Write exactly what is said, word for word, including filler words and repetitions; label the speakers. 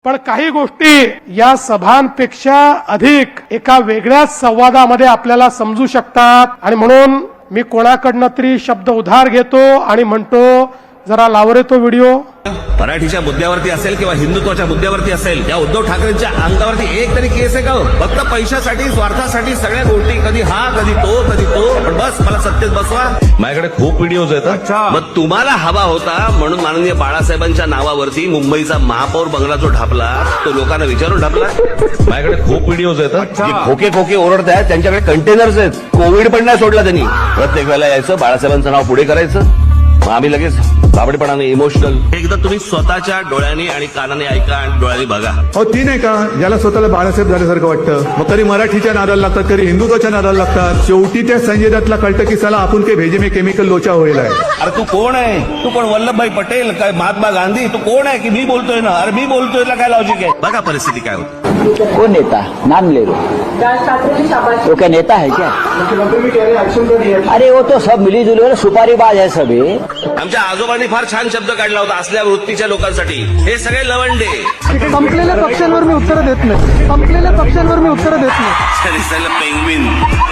Speaker 1: पण काही गोष्टी या सभांपेक्षा अधिक एका वेगळ्याच संवादामध्ये आपल्याला समजू शकतात आणि म्हणून मी कोणाकडनं तरी शब्द उधार घेतो आणि म्हणतो जरा लाव रे तो व्हिडिओ।
Speaker 2: मराठीच्या मुद्द्यावरती असेल किंवा हिंदुत्वाच्या मुद्द्यावरती असेल, या उद्धव ठाकरेंच्या अंगावरती एक तरी केस आहे का? फक्त पैशासाठी स्वार्थासाठी सगळ्या गोष्टी, कधी हा कधी तो कधी तो, पण बस मला सत्तेत बसवा। माझ्याकडे खूप व्हिडिओज आहेत। मग तुम्हाला हवा होता म्हणून माननीय बाळासाहेबांच्या नावावरती मुंबईचा महापौर बंगला जो ढापला तो लोकांना विचारून ढापला। माझ्याकडे खूप व्हिडिओज आहेत। जे खोके खोके ओरडतायत त्यांच्याकडे कंटेनर्स आहेत। कोविड पण नाही सोडला त्यांनी। प्रत्येक वेळेला यायचं, बाळासाहेबांचं नाव पुढे करायचं, मग आम्ही लगेच दाबडेपणाने इमोशनल। एकदा तुम्ही स्वतःच्या डोळ्यांनी आणि कानाने ऐका आणि डोळ्यांनी बघा।
Speaker 3: हो ती नाही का ज्याला स्वतःला बाळासाहेब झाल्यासारखं वाटतं, मग कधी मराठीच्या नादाला लागतात, कधी हिंदुत्वाच्या नादाला लागतात। शेवटी त्या संजय दत्तला कळतं की साला आपण काही भेजे में केमिकल लोचा होईल आहे।
Speaker 2: अरे तू कोण आहे? तू कोण? वल्लभभाई पटेल काय महात्मा गांधी? तू कोण आहे की मी बोलतोय ना? अरे मी बोलतोय ना, काय लॉजिक आहे? बघा परिस्थिती काय होती।
Speaker 4: कौन नेता? नाम ले लो। वो क्या नेता है क्या? अरे वो तो सब मिली जुली सुपारीबाज है सभी।
Speaker 2: आमच्या आजोबांनी फार छान शब्द काढला होता असल्या वृत्तीच्या लोकांसाठी। हे सगळे लवंडे।
Speaker 5: संपलेल्या पक्षांवर मी उत्तर देत नाही, संपलेल्या पक्षांवर मी उत्तर देत नाही।
Speaker 2: पेंग्विन